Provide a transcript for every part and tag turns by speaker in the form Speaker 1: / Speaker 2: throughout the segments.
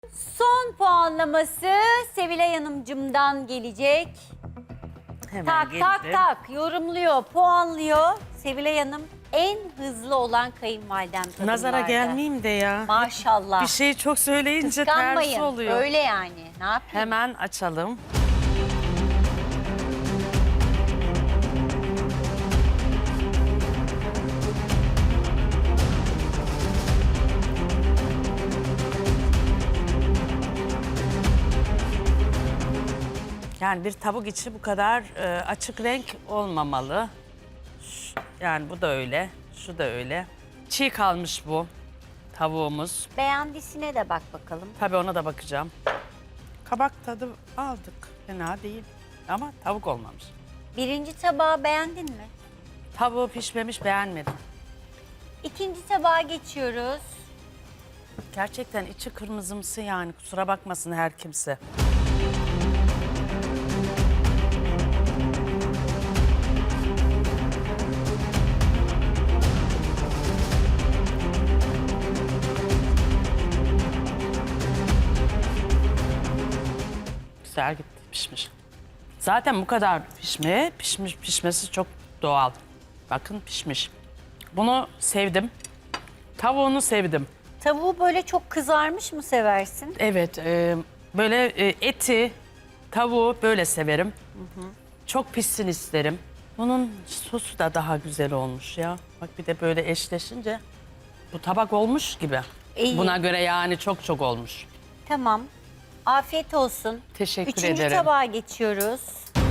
Speaker 1: Son puanlaması Sevilay Hanımcığımdan gelecek.
Speaker 2: Hemen
Speaker 1: Tak tak
Speaker 2: geldim.
Speaker 1: tak yorumluyor, puanlıyor. Sevilay Hanım en hızlı olan kayınvalidem kadınlarda.
Speaker 2: Nazara gelmeyeyim de ya.
Speaker 1: Maşallah.
Speaker 2: Bir şeyi çok söyleyince tersi
Speaker 1: Kıskanmayın.
Speaker 2: oluyor.
Speaker 1: Öyle yani. Ne yapayım?
Speaker 2: Hemen açalım. Yani bir tavuk içi bu kadar açık renk olmamalı. Yani bu da öyle, şu da öyle. Çiğ kalmış bu tavuğumuz.
Speaker 1: Beğendisine de bak bakalım.
Speaker 2: Tabii ona da bakacağım. Kabak tadı aldık. Fena değil. Ama tavuk olmamış.
Speaker 1: Birinci tabağı beğendin mi?
Speaker 2: Tavuğu pişmemiş, beğenmedim.
Speaker 1: İkinci tabağa geçiyoruz.
Speaker 2: Gerçekten içi kırmızımsı yani. Kusura bakmasın her kimse. Güzel gitti, pişmiş. Zaten bu kadar pişmesi çok doğal. Bakın pişmiş. Bunu sevdim. Tavuğunu sevdim.
Speaker 1: Tavuğu böyle çok kızarmış mı seversin?
Speaker 2: Evet, böyle eti, tavuğu böyle severim. Çok pişsin isterim. Bunun sosu da daha güzel olmuş ya. Bak bir de böyle eşleşince bu tabak olmuş gibi.
Speaker 1: İyi.
Speaker 2: Buna göre yani çok olmuş.
Speaker 1: Tamam. Afiyet olsun.
Speaker 2: Teşekkür
Speaker 1: Üçüncü
Speaker 2: ederim.
Speaker 1: tabağa geçiyoruz.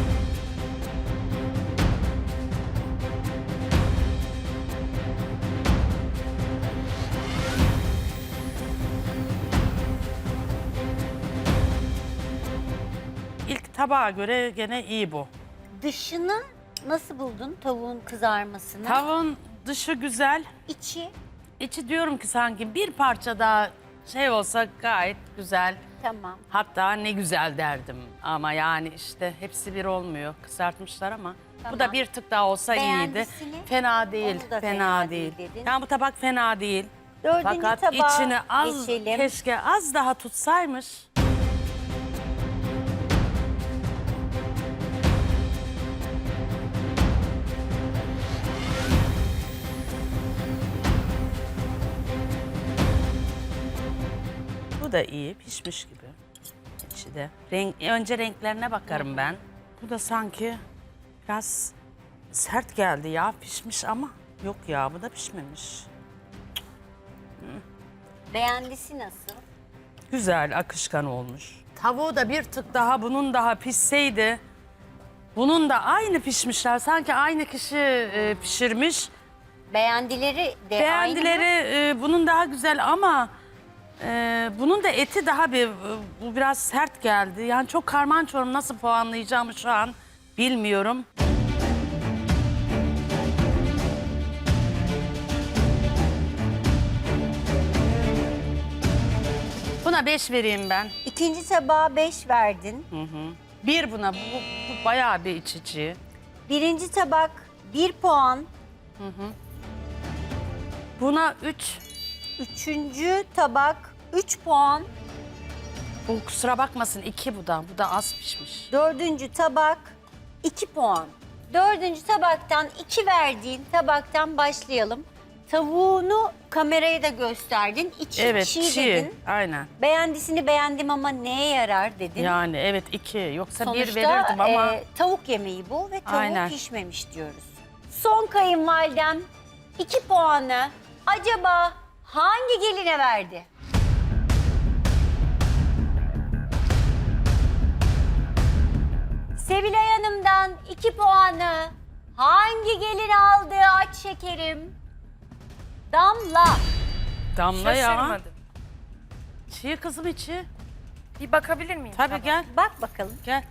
Speaker 2: İlk tabağa göre gene iyi bu.
Speaker 1: Dışını nasıl buldun tavuğun kızarmasını?
Speaker 2: Tavuğun dışı güzel.
Speaker 1: İçi
Speaker 2: İçi diyorum ki sanki bir parça daha şey olsa gayet güzel.
Speaker 1: tamam.
Speaker 2: Hatta ne güzel derdim ama yani işte hepsi bir olmuyor. Kızartmışlar ama
Speaker 1: Tamam.
Speaker 2: bu da bir tık daha olsa iyiydi.
Speaker 1: Beğendisini?
Speaker 2: Fena değil,
Speaker 1: Onu da
Speaker 2: fena değil.
Speaker 1: dedin.
Speaker 2: Yani bu tabak fena değil.
Speaker 1: Dördüncü
Speaker 2: Fakat
Speaker 1: tabağa
Speaker 2: içine az,
Speaker 1: geçelim.
Speaker 2: keşke az daha tutsaymış. Bu da iyi, pişmiş gibi. İçi de. Önce renklerine bakarım ben. Bu da sanki biraz sert geldi ya, pişmiş ama yok ya, bu da pişmemiş.
Speaker 1: Beğendisi nasıl?
Speaker 2: Güzel, akışkan olmuş. Tavuğu da bir tık daha bunun daha pişseydi. Bunun da aynı pişmişler. Sanki aynı kişi pişirmiş.
Speaker 1: Beğendileri de aynı
Speaker 2: Beğendileri
Speaker 1: mı?
Speaker 2: bunun daha güzel ama bunun da eti daha bu biraz sert geldi. Yani çok karman çorman, nasıl puanlayacağımı şu an bilmiyorum. Buna 5 vereyim ben.
Speaker 1: İkinci tabağa 5 verdin.
Speaker 2: Bir buna, bu bayağı bir iç içi.
Speaker 1: Birinci tabak 1 puan.
Speaker 2: Buna 3.
Speaker 1: Üçüncü tabak 3 puan.
Speaker 2: Bu kusura bakmasın 2 bu da. Bu da az pişmiş.
Speaker 1: Dördüncü tabak 2 puan. Dördüncü tabaktan 2 verdiğin tabaktan başlayalım. Tavuğunu kameraya da gösterdin. İçi
Speaker 2: Evet,
Speaker 1: çiğ
Speaker 2: çiğ.
Speaker 1: dedin.
Speaker 2: Aynen.
Speaker 1: Beğendisini beğendim ama neye yarar dedin.
Speaker 2: Yani evet 2. Yoksa 1
Speaker 1: Sonuçta
Speaker 2: verirdim ama
Speaker 1: tavuk yemeği bu ve tavuğu
Speaker 2: Aynen.
Speaker 1: pişmemiş diyoruz. Son kayınvalidem 2 puanı acaba hangi geline verdi? Sevilay Hanım'dan 2 puanı hangi gelin aldı aç şekerim? Damla.
Speaker 2: Damla ya.
Speaker 3: Şaşırmadım.
Speaker 2: Çiğ kızım içi.
Speaker 3: Bir bakabilir miyim?
Speaker 2: Tabii
Speaker 3: Tamam.
Speaker 2: gel.
Speaker 1: Bak bakalım.
Speaker 2: Gel.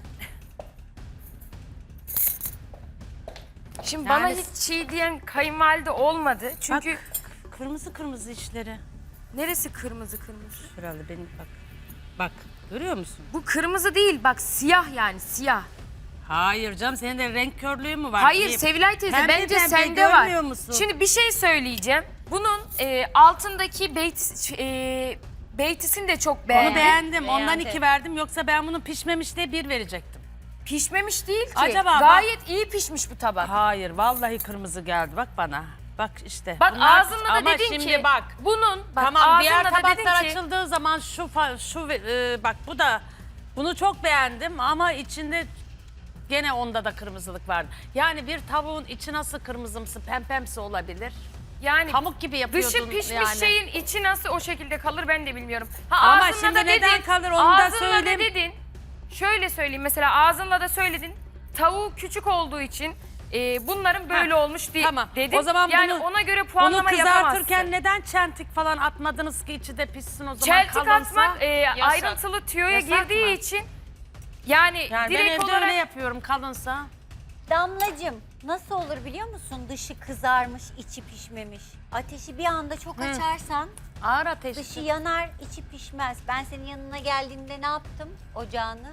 Speaker 3: Şimdi
Speaker 2: Yani-
Speaker 3: bana hiç çiğ diyen kayınvalide olmadı. Çünkü
Speaker 2: Bak, kırmızı kırmızı içleri.
Speaker 3: neresi kırmızı kırmızı?
Speaker 2: Herhalde benim bak. Bak görüyor musun?
Speaker 3: Bu kırmızı değil bak siyah yani siyah.
Speaker 2: Hayır canım, senin de renk körlüğü mü var?
Speaker 3: Hayır
Speaker 2: Bir-
Speaker 3: Sevilay teyze
Speaker 2: Pembe
Speaker 3: bence
Speaker 2: pembe
Speaker 3: sende var.
Speaker 2: görmüyor musun?
Speaker 3: Şimdi bir şey söyleyeceğim. Bunun altındaki Beytisini de çok
Speaker 2: Onu
Speaker 3: beğendim.
Speaker 2: beğendim. Ondan
Speaker 1: Beğendi.
Speaker 2: 2 verdim. Yoksa ben bunu pişmemiş diye 1 verecektim.
Speaker 3: Pişmemiş değil ki.
Speaker 2: Acaba bak-
Speaker 3: Gayet iyi pişmiş bu tabak.
Speaker 2: Hayır, vallahi kırmızı geldi. Bak bana. Bak işte.
Speaker 3: Bak
Speaker 2: Bunlar-
Speaker 3: ağzınla da
Speaker 2: ama
Speaker 3: dedin
Speaker 2: şimdi
Speaker 3: ki
Speaker 2: bak.
Speaker 3: bunun bak
Speaker 2: Tamam, diğer
Speaker 3: ağzınla da dedin
Speaker 2: tabaklar
Speaker 3: ki
Speaker 2: açıldığı zaman bak bu da bunu çok beğendim ama içinde gene onda da kırmızılık vardı. Yani bir tavuğun içi nasıl kırmızımsı, pempemsi olabilir?
Speaker 3: yani
Speaker 2: Pamuk gibi yapıyordun
Speaker 3: dışı pişmiş
Speaker 2: yani.
Speaker 3: şeyin içi nasıl o şekilde kalır ben de bilmiyorum.
Speaker 2: Ama
Speaker 3: ağzınla
Speaker 2: şimdi
Speaker 3: da
Speaker 2: neden kalır onu da
Speaker 3: ağzınla
Speaker 2: söyleyeyim.
Speaker 3: da dedin. Şöyle söyleyeyim mesela ağzınla da söyledin. Tavuğu küçük olduğu için bunların böyle olmuş diye
Speaker 2: Tamam.
Speaker 3: dedin.
Speaker 2: O zaman
Speaker 3: yani
Speaker 2: bunu,
Speaker 3: ona göre
Speaker 2: bunu
Speaker 3: puanlama yapamazsın.
Speaker 2: kızartırken neden çentik falan atmadınız ki içi de pişsin o zaman
Speaker 3: Çeltik
Speaker 2: kalınsa?
Speaker 3: atmak ayrıntılı tüyoya
Speaker 2: Yasak
Speaker 3: girdiği
Speaker 2: mı?
Speaker 3: için yani
Speaker 2: Yani ben
Speaker 3: direkt
Speaker 2: evde
Speaker 3: olarak
Speaker 2: öyle yapıyorum kalınsa.
Speaker 1: Damlacığım nasıl olur biliyor musun? Dışı kızarmış, içi pişmemiş. Ateşi bir anda çok açarsan
Speaker 2: Ağır ateş.
Speaker 1: dışı yanar, içi pişmez. Ben senin yanına geldiğimde ne yaptım ocağını?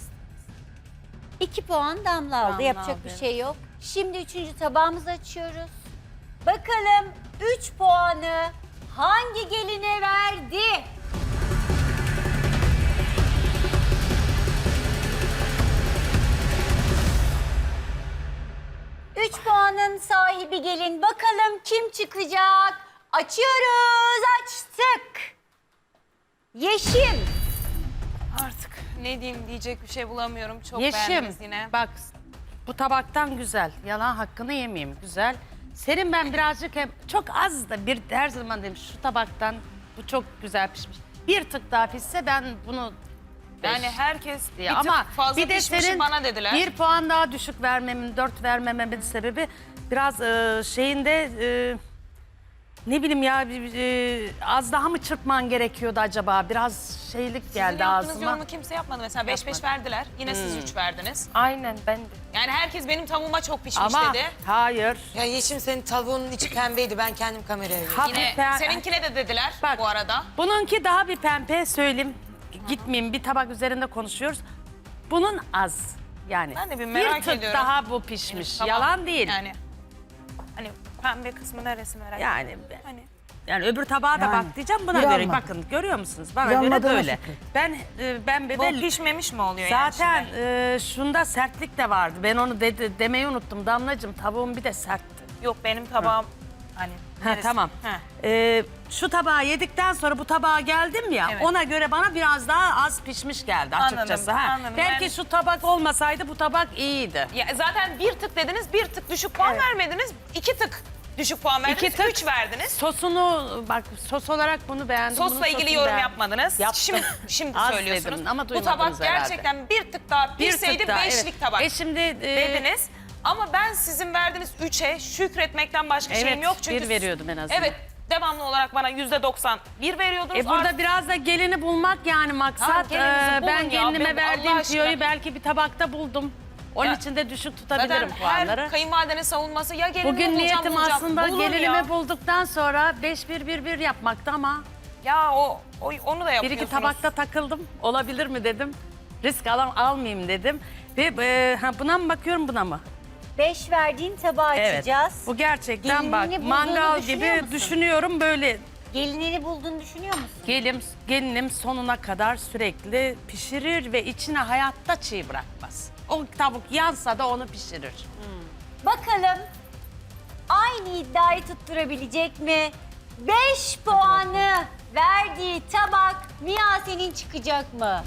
Speaker 1: 2 puan Damla aldı.
Speaker 2: Damla
Speaker 1: Yapacak
Speaker 2: aldı,
Speaker 1: bir
Speaker 2: evet.
Speaker 1: şey yok. Şimdi 3. tabağımızı açıyoruz. Bakalım 3 puanı hangi geline verdi? Üç puanın sahibi gelin. Bakalım kim çıkacak? Açıyoruz. Açtık. Yeşim.
Speaker 4: Artık ne diyeyim diyecek bir şey bulamıyorum. Çok
Speaker 2: Yeşim
Speaker 4: beğendiniz yine.
Speaker 2: bak bu tabaktan güzel. Yalan hakkını yemeyeyim güzel. Senin ben birazcık çok az da bir her zaman dedim şu tabaktan bu çok güzel pişmiş. Bir tık daha pişse ben bunu
Speaker 4: Yani herkes bir
Speaker 2: diye.
Speaker 4: tık
Speaker 2: Ama
Speaker 4: fazla
Speaker 2: bir de
Speaker 4: pişmişi
Speaker 2: senin
Speaker 4: bana dediler.
Speaker 2: 1 puan daha düşük vermemin, 4 vermememin sebebi biraz şeyinde ne bileyim ya az daha mı çırpman gerekiyordu acaba? Biraz şeylik
Speaker 4: Sizin
Speaker 2: geldi
Speaker 4: yaptığınız
Speaker 2: ağzıma.
Speaker 4: yorumu kimse yapmadı. Mesela 5-5 verdiler. Yine siz 3 verdiniz.
Speaker 3: aynen ben de.
Speaker 4: Yani herkes benim tavuğuma çok pişmiş
Speaker 2: Ama
Speaker 4: dedi.
Speaker 2: hayır.
Speaker 5: Ya Yeşim senin tavuğunun içi pembeydi. Ben kendim kameraya verdim.
Speaker 4: Yine seninkine de dediler
Speaker 2: Bak,
Speaker 4: bu arada.
Speaker 2: Bununki daha bir pembe söyleyeyim. Gitmeyeyim bir tabak üzerinde konuşuyoruz. Bunun az. Yani
Speaker 4: Ben de bir merak
Speaker 2: tık
Speaker 4: ediyorum.
Speaker 2: daha bu pişmiş.
Speaker 4: Tamam.
Speaker 2: Yalan değil.
Speaker 4: Yani hani pembe kısmı neresi merak ediyorum.
Speaker 2: Yani
Speaker 4: Hani
Speaker 2: yani öbür tabağa da
Speaker 6: Yani,
Speaker 2: bak diyeceğim buna
Speaker 6: bir
Speaker 2: göre.
Speaker 6: anladım.
Speaker 2: Bakın görüyor musunuz? Bana
Speaker 6: Bir
Speaker 2: göre
Speaker 6: anladığına
Speaker 2: böyle.
Speaker 6: şükür.
Speaker 2: Ben
Speaker 4: bu pişmemiş mi oluyor
Speaker 2: zaten
Speaker 4: yani şimdi?
Speaker 2: şunda sertlik de vardı. Ben onu demeyi unuttum. Damlacığım tavuğum bir de sertti.
Speaker 4: Yok benim tabağım hani
Speaker 2: Ha,
Speaker 4: neresi?
Speaker 2: tamam.
Speaker 4: Ha.
Speaker 2: Şu tabağı yedikten sonra bu tabağa geldim ya.
Speaker 4: Evet.
Speaker 2: Ona göre bana biraz daha az pişmiş geldi açıkçası.
Speaker 4: Anladım,
Speaker 2: Ha.
Speaker 4: anladım.
Speaker 2: Belki
Speaker 4: Ben-
Speaker 2: şu tabak olmasaydı bu tabak iyiydi.
Speaker 4: Ya zaten bir tık dediniz, bir tık düşük puan vermediniz. 2 tık düşük puan verdiniz,
Speaker 2: İki tık.
Speaker 4: 3 verdiniz.
Speaker 2: Sosunu bak sos olarak bunu beğendim.
Speaker 4: Sosla
Speaker 2: bunun
Speaker 4: ilgili
Speaker 2: sosunu
Speaker 4: yorum
Speaker 2: beğendim.
Speaker 4: yapmadınız.
Speaker 2: Yaptım.
Speaker 4: Şimdi
Speaker 2: Az
Speaker 4: söylüyorsunuz.
Speaker 2: dedim ama
Speaker 4: bu
Speaker 2: duymadınız
Speaker 4: tabak
Speaker 2: herhalde.
Speaker 4: gerçekten bir tık daha
Speaker 2: Bir
Speaker 4: pişseydi
Speaker 2: tık daha,
Speaker 4: beşlik
Speaker 2: evet.
Speaker 4: tabak
Speaker 2: Şimdi
Speaker 4: dediniz. Ama ben sizin verdiğiniz 3'e şükretmekten başka
Speaker 2: Evet,
Speaker 4: şeyim yok. Çünkü
Speaker 2: bir veriyordum en azından.
Speaker 4: Evet, devamlı olarak bana %90 bir veriyordunuz.
Speaker 2: burada
Speaker 4: Artık-
Speaker 2: biraz da gelini bulmak yani maksat.
Speaker 4: Tamam, gelinizi bulun
Speaker 2: Ben
Speaker 4: ya,
Speaker 2: gelinime
Speaker 4: Allah
Speaker 2: verdiğim
Speaker 4: aşkına.
Speaker 2: tüyoyu belki bir tabakta buldum. Onun
Speaker 4: Ya,
Speaker 2: için de düşük
Speaker 4: zaten
Speaker 2: tutabilirim puanları.
Speaker 4: her kayınvalidenin savunması ya gelinimi
Speaker 2: Bugün
Speaker 4: bulacağım,
Speaker 2: niyetim
Speaker 4: bulacağım.
Speaker 2: aslında
Speaker 4: Bulun
Speaker 2: gelinimi
Speaker 4: ya.
Speaker 2: bulduktan sonra 5-1-1-1 yapmaktı ama
Speaker 4: Ya onu da
Speaker 2: bir
Speaker 4: yapıyorsunuz.
Speaker 2: iki tabakta takıldım. Olabilir mi dedim. Risk almayayım dedim. Ve buna mı bakıyorum buna mı?
Speaker 1: 5 verdiğin tabağı açacağız.
Speaker 2: Bu gerçekten bak
Speaker 1: Gelinini
Speaker 2: mangal
Speaker 1: bulduğunu düşünüyor
Speaker 2: gibi
Speaker 1: musun?
Speaker 2: düşünüyorum böyle.
Speaker 1: Gelinini bulduğunu düşünüyor musun?
Speaker 2: Gelinim sonuna kadar sürekli pişirir ve içine hayatta çiğ bırakmaz. O tavuk yansa da onu pişirir.
Speaker 1: Bakalım aynı iddiayı tutturabilecek mi? 5 puanı verdiği tabak Miyase'nin çıkacak mı?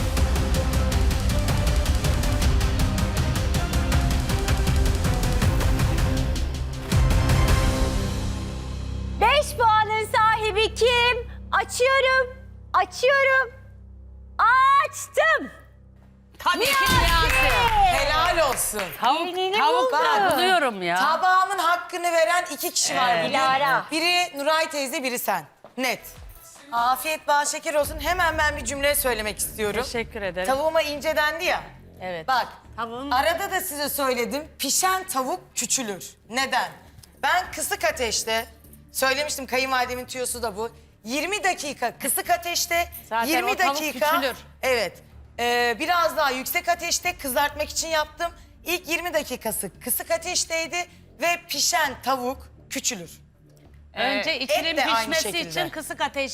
Speaker 1: Beş puanın sahibi kim? Açıyorum. Açıyorum. Açtım.
Speaker 2: Tabii ki
Speaker 5: Helal olsun.
Speaker 1: Gelinini
Speaker 2: Tavuk
Speaker 1: buldu.
Speaker 2: buluyorum ya.
Speaker 5: Tabağımın hakkını veren 2 kişi var bugün.
Speaker 1: Dilara.
Speaker 5: Biri Nuray teyze, biri sen. Net. Afiyet bal şeker olsun. Hemen ben bir cümle söylemek istiyorum.
Speaker 2: Teşekkür ederim.
Speaker 5: Tavuğuma ince dendi ya.
Speaker 2: Evet.
Speaker 5: Bak,
Speaker 2: Tavuğun-
Speaker 5: arada da size söyledim. Pişen tavuk küçülür. Neden? Ben kısık ateşte, söylemiştim kayınvalidemin tüyosu da bu. 20 dakika kısık ateşte,
Speaker 2: Zaten
Speaker 5: 20
Speaker 2: o tavuk
Speaker 5: dakika...
Speaker 2: küçülür.
Speaker 5: Evet. Biraz daha yüksek ateşte kızartmak için yaptım. İlk 20 dakikası kısık ateşteydi ve pişen tavuk küçülür.
Speaker 2: Önce
Speaker 5: et
Speaker 2: içinin
Speaker 5: de aynı
Speaker 2: pişmesi
Speaker 5: şekilde.
Speaker 2: için kısık ateşte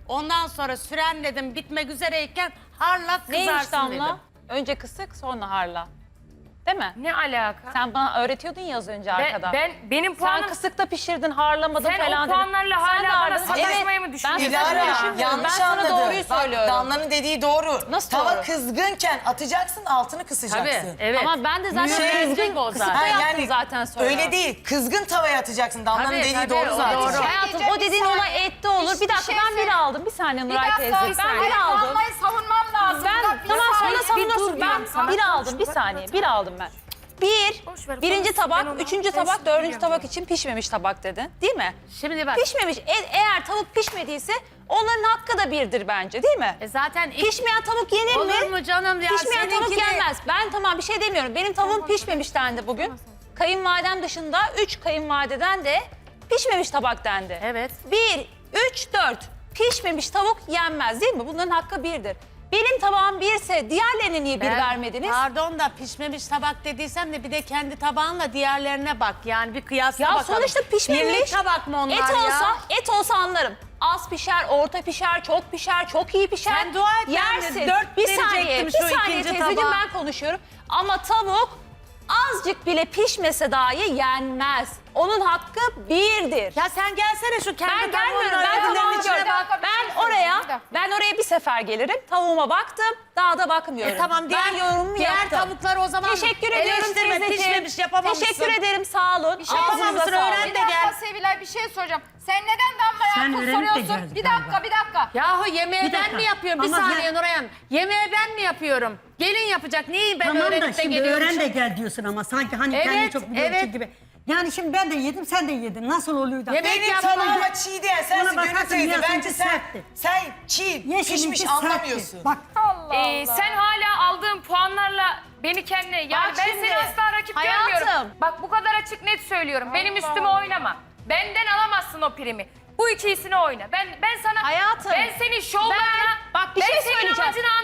Speaker 6: Ondan sonra sürenledim bitmek üzereyken harlat
Speaker 7: Neymiş
Speaker 6: kızarsın dedim.
Speaker 7: Damla? Önce kısık sonra harla. Değil mi?
Speaker 3: Ne alaka?
Speaker 7: Sen bana öğretiyordun ya az önce arkada.
Speaker 3: Benim
Speaker 7: Sen
Speaker 3: puanım...
Speaker 7: kısıkta pişirdin, harlamadın
Speaker 3: Sen
Speaker 7: falan
Speaker 3: o puanlarla
Speaker 7: dedin.
Speaker 3: hala
Speaker 7: Sen de
Speaker 3: bana
Speaker 7: harladın.
Speaker 3: sataşmayı mı
Speaker 7: Ben
Speaker 3: düşünüyorsun?
Speaker 7: sataşmayı
Speaker 5: Dilara
Speaker 7: düşünmüyorum.
Speaker 5: yanlış
Speaker 7: Ben sana
Speaker 5: anladı.
Speaker 7: doğruyu
Speaker 5: Bak,
Speaker 7: söylüyorum.
Speaker 5: Damla'nın dediği doğru.
Speaker 7: Nasıl
Speaker 5: Tava
Speaker 7: doğru?
Speaker 5: kızgınken atacaksın, altını kısacaksın.
Speaker 2: Tabii, evet.
Speaker 7: Ama ben de zaten
Speaker 2: Şey-
Speaker 7: kızgın
Speaker 2: o
Speaker 7: kısıkta
Speaker 2: zaten.
Speaker 7: yaptım zaten sonra.
Speaker 5: Öyle değil. Kızgın tavaya atacaksın. Damla'nın
Speaker 2: Tabii,
Speaker 5: dediği
Speaker 2: tabii,
Speaker 5: doğru
Speaker 2: o
Speaker 5: zaten.
Speaker 2: doğru.
Speaker 7: Hayatım o dediğin olay ette olur. Bir dakika ben bir aldım. Bir saniye Nuray teyze. Ben bir aldım.
Speaker 8: Damla'yı savunmam lazım.
Speaker 7: Ben tamam sonra savunuyorsun. Ben bir aldım. Bir saniye. Bir aldım ben.
Speaker 3: Boş ver,
Speaker 7: Birinci
Speaker 3: konuş. Ben
Speaker 7: tabak,
Speaker 3: onu
Speaker 7: üçüncü
Speaker 3: kestim,
Speaker 7: tabak, dördüncü
Speaker 3: biliyorum.
Speaker 7: tabak için pişmemiş tabak dedin. Değil mi?
Speaker 6: Şimdi bak.
Speaker 7: Pişmemiş. Eğer tavuk pişmediyse onların hakkı da birdir bence değil mi?
Speaker 6: Zaten
Speaker 7: Pişmeyen tavuk yenir mi?
Speaker 6: olur mu canım ya?
Speaker 7: Pişmeyen tavuk
Speaker 6: Seninkini-
Speaker 7: yenmez. Ben tamam bir şey demiyorum. Benim tavuğum pişmemiş dendi bugün. Kayınvalidem dışında 3 kayınvalideden de pişmemiş tabak dendi.
Speaker 6: Evet.
Speaker 7: 1, 3, 4. Pişmemiş tavuk yenmez değil mi? Bunların hakkı birdir. Benim tabağım birse diğerlerine niye bir vermediniz?
Speaker 6: Pardon da pişmemiş tabak dediysem de bir de kendi tabağınla diğerlerine bak. Yani bir kıyasla
Speaker 7: Ya
Speaker 6: bakalım.
Speaker 7: sonuçta pişmemiş.
Speaker 6: Birlik tabak mı onlar
Speaker 7: et
Speaker 6: ya?
Speaker 7: et olsa anlarım. Az pişer, orta pişer, çok pişer, çok iyi pişer.
Speaker 6: Sen dua et, ben de
Speaker 7: Yersin.
Speaker 6: dört
Speaker 7: bir saniye,
Speaker 6: verecektim
Speaker 7: bir
Speaker 6: şu
Speaker 7: saniye
Speaker 6: ikinci
Speaker 7: teyzeciğim
Speaker 6: tabağa.
Speaker 7: ben konuşuyorum. Ama tavuk azıcık bile pişmese dahi yenmez. Onun hakkı birdir.
Speaker 6: Ya sen gelsene şu kendi
Speaker 7: Ben gelmiyorum.
Speaker 6: tavuğunla
Speaker 7: Ben
Speaker 6: öbürlerinin
Speaker 7: tabağımı
Speaker 6: içine
Speaker 7: gördüm.
Speaker 6: bak.
Speaker 7: Ben oraya bir sefer gelirim. Tavuğuma baktım. Daha da bakmıyorum.
Speaker 6: Tamam diğer,
Speaker 7: ben yorumumu
Speaker 6: diğer
Speaker 7: yaptım.
Speaker 6: tavukları o zaman
Speaker 7: Teşekkür ediyorum
Speaker 6: eleştirme,
Speaker 7: teyzeciğim.
Speaker 6: pişmemiş yapamamışsın.
Speaker 7: Teşekkür ederim sağ olun.
Speaker 6: şey yapamamışsın, öğren
Speaker 8: Bir
Speaker 6: de
Speaker 8: dakika
Speaker 6: gel.
Speaker 8: Sevilay bir şey soracağım. Sen neden Damla'ya akıl soruyorsun? Bir dakika.
Speaker 6: Yahu yemeği ben mi yapıyorum? Bir
Speaker 9: Ama
Speaker 6: saniye Nuray Hanım. Yemeği ben mi yapıyorum? Gelin yapacak. Neyi ben
Speaker 9: Tamam da
Speaker 6: öğrenip de
Speaker 9: şimdi
Speaker 6: geliyormuşum?
Speaker 9: öğren de gel diyorsun ama sanki hani
Speaker 6: Evet,
Speaker 9: kendini çok biliyorsun
Speaker 6: evet.
Speaker 9: gibi. Yani şimdi ben de yedim sen de yedin. Nasıl oluyor da?
Speaker 6: Yemek
Speaker 5: Benim
Speaker 6: yapma.
Speaker 5: tabağıma çiğ diyen sensin
Speaker 9: Ona
Speaker 5: Gönül
Speaker 9: bakarsın,
Speaker 5: teyze.
Speaker 9: ya
Speaker 5: Bence
Speaker 9: seninki
Speaker 5: sen,
Speaker 9: sertti.
Speaker 5: sen çiğ, pişmiş anlamıyorsun.
Speaker 9: Bak
Speaker 3: Sen hala aldığın puanlarla beni kendine... Yani
Speaker 7: Bak
Speaker 3: ben
Speaker 7: şimdi,
Speaker 3: seni asla rakip
Speaker 7: hayatım.
Speaker 3: görmüyorum. Bak bu kadar açık net söylüyorum. Benim üstüme oynama. Benden alamazsın o primi. Bu ikisini oyna. Ben sana...
Speaker 7: Hayatım.
Speaker 3: Ben senin şovlarına...
Speaker 7: Bak bir
Speaker 3: ben
Speaker 7: şey
Speaker 3: senin
Speaker 7: söyleyeceğim.
Speaker 3: amacına